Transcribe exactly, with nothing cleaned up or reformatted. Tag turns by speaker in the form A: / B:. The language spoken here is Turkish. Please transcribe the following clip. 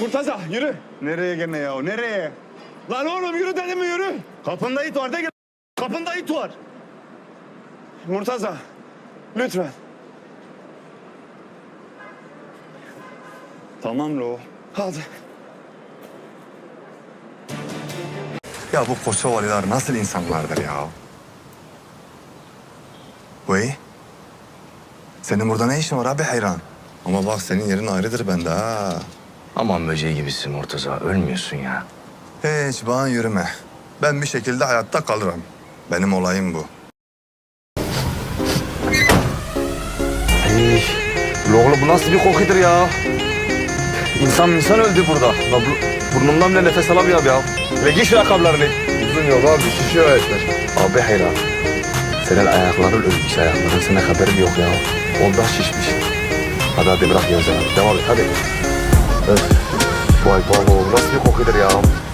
A: Murtaza yürü.
B: Nereye gene ya? Nereye?
A: Lan oğlum yürü dedim mi yürü.
B: Kapında it var de gel. Kapında it var.
A: Murtaza lütfen.
B: Tamam lo.
A: Hadi.
B: Ya bu Kosovalılar nasıl insanlardır ya? Vay. Senin burada ne işin var abi hayran? Ama bak senin yerin ayrıdır bende ha.
C: Aman böceği gibisin Murtaza. Ölmüyorsun ya.
B: Hiç bana yürüme. Ben bir şekilde hayatta kalırım. Benim olayım bu.
C: Ay, oğlum bu nasıl bir kokudur ya? İnsan insan öldü burada. La, bu, burnumdan bile nefes alamıyorum ya. Ve giy şu ayakkabılarını.
B: Uzun yol abi şişiyor ayaklar.
C: Abi hayra. Senin ayakların ölmüş ayakların. Senin haberin yok ya. Ondan şişmiş. Hadi hadi bırak gözlerini. Devam et hadi. Öf. Vay vay vay nasıl bir kokudur ya.